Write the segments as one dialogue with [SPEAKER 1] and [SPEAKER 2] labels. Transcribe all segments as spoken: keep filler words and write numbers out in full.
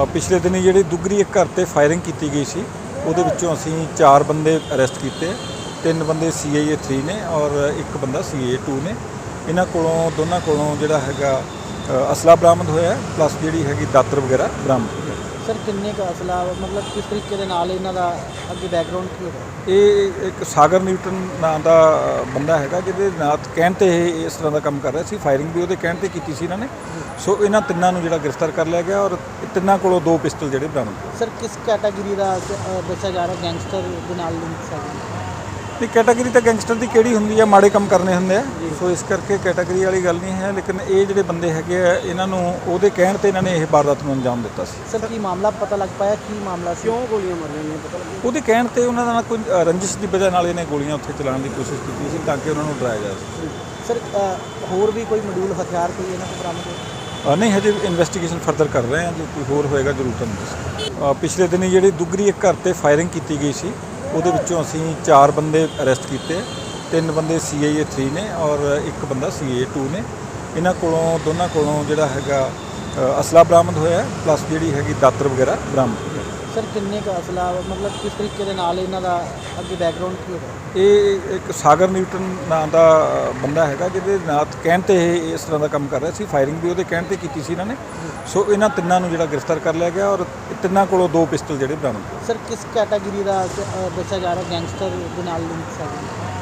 [SPEAKER 1] ਪਿਛਲੇ ਦਿਨੀ ਜਿਹੜੀ ਦੁੱਗਰੀ ਇੱਕ ਘਰ ਤੇ ਫਾਇਰਿੰਗ ਕੀਤੀ ਗਈ ਸੀ ਉਹਦੇ ਵਿੱਚੋਂ ਅਸੀਂ ਚਾਰ ਬੰਦੇ ਅਰੈਸਟ ਕੀਤੇ। ਤਿੰਨ ਬੰਦੇ ਸੀ ਆਈ ਏ ਥ੍ਰੀ ਨੇ ਔਰ ਇੱਕ ਬੰਦਾ ਸੀ ਆਈ ਏ ਟੂ ਨੇ। ਇਹਨਾਂ ਕੋਲੋਂ ਦੋਨਾਂ ਕੋਲੋਂ ਜਿਹੜਾ ਹੈਗਾ ਅਸਲਾ ਬਰਾਮਦ ਹੋਇਆ ਪਲੱਸ ਜਿਹੜੀ ਹੈਗੀ ਦਾਤਰ ਵਗੈਰਾ ਬਰਾਮਦ ਹੋਇਆ।
[SPEAKER 2] ਸਰ ਕਿੰਨੇ ਕੁ ਅਸਲਾ ਮਤਲਬ ਕਿਸ ਤਰੀਕੇ ਦੇ ਨਾਲ ਇਹਨਾਂ ਦਾ ਅੱਗੇ ਬੈਕਗ੍ਰਾਉਂਡ ਕੀ ਹੋਇਆ?
[SPEAKER 1] ਇਹ ਇੱਕ ਸਾਗਰ ਨਿਊਟਨ ਨਾਂ ਦਾ ਬੰਦਾ ਹੈਗਾ ਜਿਹਦੇ ਨਾਂ ਕਹਿਣ 'ਤੇ ਇਹ ਇਸ ਤਰ੍ਹਾਂ ਦਾ ਕੰਮ ਕਰ ਰਿਹਾ ਸੀ। ਫਾਇਰਿੰਗ ਵੀ ਉਹਦੇ ਕਹਿਣ 'ਤੇ ਕੀਤੀ ਸੀ ਇਹਨਾਂ ਨੇ। ਸੋ ਇਹਨਾਂ ਤਿੰਨਾਂ ਨੂੰ ਜਿਹੜਾ ਗ੍ਰਿਫਤਾਰ ਕਰ ਲਿਆ ਗਿਆ ਔਰ ਤਿੰਨਾਂ ਕੋਲੋਂ ਦੋ ਪਿਸਟਲ ਜਿਹੜੇ ਬਰਾਮਦ ਹੋਏ।
[SPEAKER 2] ਸਰ ਕਿਸ ਕੈਟਾਗਰੀ ਦਾ ਅ, ਦੱਸਿਆ ਜਾ ਰਿਹਾ ਗੈਂਗਸਟਰ ਦੇ ਨਾਲ ਲਿੰਕ ਹੈ?
[SPEAKER 1] ਇਹ ਕੈਟਾਗਰੀ ਤਾਂ ਗੈਂਗਸਟਰ ਦੀ ਕਿਹੜੀ ਹੁੰਦੀ ਆ, ਮਾੜੇ ਕੰਮ ਕਰਨੇ ਹੁੰਦੇ ਆ। ਸੋ ਇਸ ਕਰਕੇ ਕੈਟਾਗਰੀ ਵਾਲੀ ਗੱਲ ਨਹੀਂ ਹੈ, ਲੇਕਿਨ ਇਹ ਜਿਹੜੇ ਬੰਦੇ ਹੈਗੇ ਆ ਇਹਨਾਂ ਨੂੰ ਉਹਦੇ ਕਹਿਣ 'ਤੇ ਇਹਨਾਂ ਨੇ ਇਹ ਵਾਰਦਾਤ ਨੂੰ ਅੰਜਾਮ ਦਿੱਤਾ ਸੀ।
[SPEAKER 2] ਸਰ ਕੀ ਮਾਮਲਾ ਪਤਾ ਲੱਗ ਪਾਇਆ? ਕੀ ਮਾਮਲਾ ਸੀ? ਕਿਉਂ ਗੋਲੀਆਂ ਮਾਰੀਆਂ ਨੇ ਪਤਾ ਲੱਗਿਆ?
[SPEAKER 1] ਉਹਦੇ ਕਹਿਣ 'ਤੇ ਉਹਨਾਂ ਦਾ ਕੋਈ ਅ, ਰੰਜਿਸ਼ ਦੀ ਵਜ੍ਹਾ ਨਾਲ ਇਹਨੇ ਗੋਲੀਆਂ ਉੱਥੇ ਚਲਾਉਣ ਦੀ ਕੋਸ਼ਿਸ਼ ਕੀਤੀ ਸੀ ਤਾਂ ਕਿ ਉਹਨਾਂ ਨੂੰ ਡਰਾਇਆ ਜਾ ਸਕੇ।
[SPEAKER 2] ਸਰ ਅ, ਹੋਰ ਵੀ ਕੋਈ ਮਡਿਊਲ ਹਥਿਆਰ ਕੋਈ ਇਹਨਾਂ ਕੋਲ ਬਰਾਮਦ ਹੋਇਆ?
[SPEAKER 1] ਅ, ਨਹੀਂ, ਹਜੇ ਇਨਵੈਸਟੀਗੇਸ਼ਨ ਫਰਦਰ ਕਰ ਰਹੇ ਹਾਂ। ਜੇ ਕੋਈ ਹੋਰ ਹੋਏਗਾ ਜ਼ਰੂਰ ਤੁਹਾਨੂੰ ਦੱਸਾਂਗੇ। ਪਿਛਲੇ ਦਿਨੀ ਜਿਹੜੀ ਦੁੱਗਰੀ ਇੱਕ ਘਰ ਤੇ ਫਾਇਰਿੰਗ ਕੀਤੀ ਗਈ ਸੀ ਉਹਦੇ ਵਿੱਚੋਂ ਅਸੀਂ ਚਾਰ ਬੰਦੇ ਅਰੈਸਟ ਕੀਤੇ। ਤਿੰਨ ਬੰਦੇ ਸੀ ਆਈ ਏ ਥ੍ਰੀ ਨੇ ਔਰ ਇੱਕ ਬੰਦਾ ਸੀ ਆਈ ਏ ਟੂ ਨੇ। ਇਹਨਾਂ ਕੋਲੋਂ ਦੋਨਾਂ ਕੋਲੋਂ ਜਿਹੜਾ ਹੈਗਾ ਅਸਲਾ ਬਰਾਮਦ ਹੋਇਆ ਪਲੱਸ ਜਿਹੜੀ ਹੈਗੀ ਦਾਤਰ ਵਗੈਰਾ ਬਰਾਮਦ ਹੋਇਆ।
[SPEAKER 2] ਸਰ ਕਿੰਨੇ ਕੁ ਅਸਲਾ ਮਤਲਬ ਕਿਸ ਤਰੀਕੇ ਦੇ ਨਾਲ ਇਹਨਾਂ ਦਾ ਅੱਗੇ ਬੈਕਗ੍ਰਾਉਂਡ ਕੀ ਹੋਇਆ?
[SPEAKER 1] ਇਹ ਇੱਕ ਸਾਗਰ ਨਿਊਟਨ ਨਾਂ ਦਾ ਬੰਦਾ ਹੈਗਾ ਜਿਹਦੇ ਨਾਂ ਕਹਿਣ 'ਤੇ ਇਹ ਇਸ ਤਰ੍ਹਾਂ ਦਾ ਕੰਮ ਕਰ ਰਿਹਾ ਸੀ। ਫਾਇਰਿੰਗ ਵੀ ਉਹਦੇ ਕਹਿਣ 'ਤੇ ਕੀਤੀ ਸੀ ਇਹਨਾਂ ਨੇ। ਸੋ ਇਹਨਾਂ ਤਿੰਨਾਂ ਨੂੰ ਜਿਹੜਾ ਗ੍ਰਿਫਤਾਰ ਕਰ ਲਿਆ ਗਿਆ ਔਰ ਤਿੰਨਾਂ ਕੋਲੋਂ ਦੋ ਪਿਸਟਲ ਜਿਹੜੇ ਬਰਾਮਦ ਹੋਏ।
[SPEAKER 2] ਸਰ ਕਿਸ ਕੈਟਾਗਰੀ ਦਾ ਅ, ਦੱਸਿਆ ਜਾ ਰਿਹਾ ਗੈਂਗਸਟਰ ਦੇ ਨਾਲ ਲਿੰਕ ਹੈ?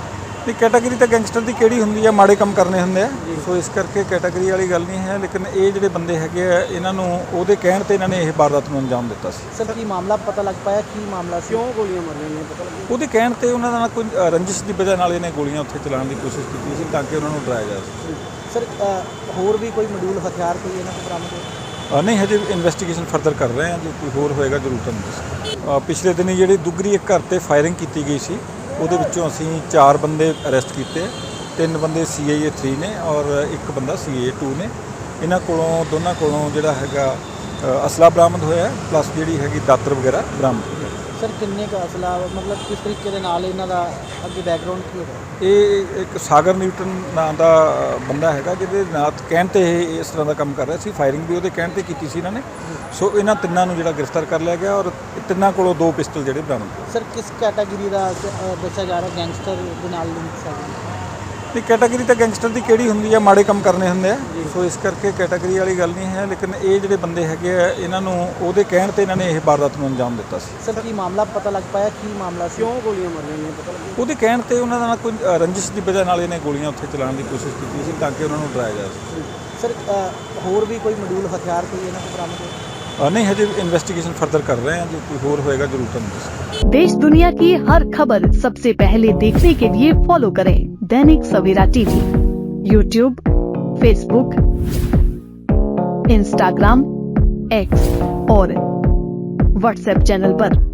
[SPEAKER 1] ਇਹ ਕੈਟਾਗਰੀ ਤਾਂ ਗੈਂਗਸਟਰ ਦੀ ਕਿਹੜੀ ਹੁੰਦੀ ਆ, ਮਾੜੇ ਕੰਮ ਕਰਨੇ ਹੁੰਦੇ ਆ। ਸੋ ਇਸ ਕਰਕੇ ਕੈਟਾਗਰੀ ਵਾਲੀ ਗੱਲ ਨਹੀਂ ਹੈ, ਲੇਕਿਨ ਇਹ ਜਿਹੜੇ ਬੰਦੇ ਹੈਗੇ ਆ ਇਹਨਾਂ ਨੂੰ ਉਹਦੇ ਕਹਿਣ 'ਤੇ ਇਹਨਾਂ ਨੇ ਇਹ ਵਾਰਦਾਤ ਨੂੰ ਅੰਜਾਮ ਦਿੱਤਾ ਸੀ।
[SPEAKER 2] ਸਰ ਕੀ ਮਾਮਲਾ ਪਤਾ ਲੱਗ ਪਾਇਆ? ਕੀ ਮਾਮਲਾ ਸੀ? ਕਿਉਂ ਗੋਲੀਆਂ ਮਾਰੀਆਂ ਨੇ ਪਤਾ ਲੱਗਿਆ?
[SPEAKER 1] ਉਹਦੇ ਕਹਿਣ 'ਤੇ ਉਹਨਾਂ ਦਾ ਕੋਈ ਅ, ਰੰਜਿਸ਼ ਦੀ ਵਜ੍ਹਾ ਨਾਲ ਇਹਨੇ ਗੋਲੀਆਂ ਉੱਥੇ ਚਲਾਉਣ ਦੀ ਕੋਸ਼ਿਸ਼ ਕੀਤੀ ਸੀ ਤਾਂ ਕਿ ਉਹਨਾਂ ਨੂੰ ਡਰਾਇਆ ਜਾ ਸਕੇ।
[SPEAKER 2] ਸਰ ਅ, ਹੋਰ ਵੀ ਕੋਈ ਮਡਿਊਲ ਹਥਿਆਰ ਕੋਈ ਇਹਨਾਂ ਕੋਲ ਬਰਾਮਦ ਹੋਇਆ?
[SPEAKER 1] ਅ, ਨਹੀਂ, ਹਜੇ ਇਨਵੈਸਟੀਗੇਸ਼ਨ ਫਰਦਰ ਕਰ ਰਹੇ ਹਾਂ। ਜੇ ਕੋਈ ਹੋਰ ਹੋਏਗਾ ਜ਼ਰੂਰ ਤੁਹਾਨੂੰ ਦੱਸਾਂਗੇ। ਪਿਛਲੇ ਦਿਨੀ ਜਿਹੜੀ ਦੁੱਗਰੀ ਇੱਕ ਘਰ ਤੇ ਫਾਇਰਿੰਗ ਕੀਤੀ ਗਈ ਸੀ ਉਹਦੇ ਵਿੱਚੋਂ ਅਸੀਂ ਚਾਰ ਬੰਦੇ ਅਰੈਸਟ ਕੀਤੇ। ਤਿੰਨ ਬੰਦੇ ਸੀ ਆਈ ਏ ਥ੍ਰੀ ਨੇ ਔਰ ਇੱਕ ਬੰਦਾ ਸੀ ਆਈ ਏ ਟੂ ਨੇ। ਇਹਨਾਂ ਕੋਲੋਂ ਦੋਨਾਂ ਕੋਲੋਂ ਜਿਹੜਾ ਹੈਗਾ ਅ, ਅਸਲਾ ਬਰਾਮਦ ਹੋਇਆ ਪਲੱਸ ਜਿਹੜੀ ਹੈਗੀ ਦਾਤਰ ਵਗੈਰਾ ਬਰਾਮਦ ਹੋਇਆ।
[SPEAKER 2] ਸਰ ਕਿੰਨੇ ਕੁ ਅਸਲਾ ਮਤਲਬ ਕਿਸ ਤਰੀਕੇ ਦੇ ਨਾਲ ਇਹਨਾਂ ਦਾ ਅੱਗੇ ਬੈਕਗ੍ਰਾਉਂਡ ਕੀ ਹੋਇਆ?
[SPEAKER 1] ਇਹ ਇੱਕ ਸਾਗਰ ਨਿਊਟਨ ਨਾਂ ਦਾ ਬੰਦਾ ਹੈਗਾ ਜਿਹਦੇ ਨਾਂ ਕਹਿਣ 'ਤੇ ਇਹ ਇਸ ਤਰ੍ਹਾਂ ਦਾ ਕੰਮ ਕਰ ਰਿਹਾ ਸੀ। ਫਾਇਰਿੰਗ ਵੀ ਉਹਦੇ ਕਹਿਣ 'ਤੇ ਕੀਤੀ ਸੀ ਇਹਨਾਂ ਨੇ। ਸੋ ਇਹਨਾਂ ਤਿੰਨਾਂ ਨੂੰ ਜਿਹੜਾ ਗ੍ਰਿਫਤਾਰ ਕਰ ਲਿਆ ਗਿਆ ਔਰ ਤਿੰਨਾਂ ਕੋਲੋਂ ਦੋ ਪਿਸਟਲ ਜਿਹੜੇ ਬਰਾਮਦ ਹੋਏ।
[SPEAKER 2] ਸਰ ਕਿਸ ਕੈਟਾਗਰੀ ਦਾ ਅ, ਦੱਸਿਆ ਜਾ ਰਿਹਾ ਗੈਂਗਸਟਰ ਦੇ ਨਾਲ ਲਿੰਕ ਹੈ?
[SPEAKER 1] ਇਹ ਕੈਟਾਗਰੀ ਤਾਂ ਗੈਂਗਸਟਰ ਦੀ ਕਿਹੜੀ ਹੁੰਦੀ ਆ, ਮਾੜੇ ਕੰਮ ਕਰਨੇ ਹੁੰਦੇ ਆ। ਸੋ ਇਸ ਕਰਕੇ ਕੈਟਾਗਰੀ ਵਾਲੀ ਗੱਲ ਨਹੀਂ ਹੈ, ਲੇਕਿਨ ਇਹ ਜਿਹੜੇ ਬੰਦੇ ਹੈਗੇ ਆ ਇਹਨਾਂ ਨੂੰ ਉਹਦੇ ਕਹਿਣ 'ਤੇ ਇਹਨਾਂ ਨੇ ਇਹ ਵਾਰਦਾਤ ਨੂੰ ਅੰਜਾਮ ਦਿੱਤਾ ਸੀ।
[SPEAKER 2] ਸਰ ਕੀ ਮਾਮਲਾ ਪਤਾ ਲੱਗ ਪਾਇਆ? ਕੀ ਮਾਮਲਾ ਸੀ? ਕਿਉਂ ਗੋਲੀਆਂ ਮਾਰੀਆਂ ਨੇ ਪਤਾ ਲੱਗਿਆ?
[SPEAKER 1] ਉਹਦੇ ਕਹਿਣ 'ਤੇ ਉਹਨਾਂ ਦਾ ਕੋਈ ਅ, ਰੰਜਿਸ਼ ਦੀ ਵਜ੍ਹਾ ਨਾਲ ਇਹਨੇ ਗੋਲੀਆਂ ਉੱਥੇ ਚਲਾਉਣ ਦੀ ਕੋਸ਼ਿਸ਼ ਕੀਤੀ ਸੀ ਤਾਂ ਕਿ ਉਹਨਾਂ ਨੂੰ ਡਰਾਇਆ ਜਾ ਸਕੇ।
[SPEAKER 2] ਸਰ ਅ, ਹੋਰ ਵੀ ਕੋਈ ਮਡਿਊਲ ਹਥਿਆਰ ਕੋਈ ਇਹਨਾਂ ਕੋਲ ਬਰਾਮਦ ਹੋਇਆ?
[SPEAKER 1] ਅ, ਨਹੀਂ, ਹਜੇ इन्वेस्टिगेशन फर्दर कर रहे हैं। जो कोई और होएगा जरूर तुम दसेंगे।
[SPEAKER 3] देश दुनिया की हर खबर सबसे पहले देखने के लिए फॉलो करें Dainik Savera TV, YouTube, Facebook, Instagram, X और व्हाट्सएप चैनल पर।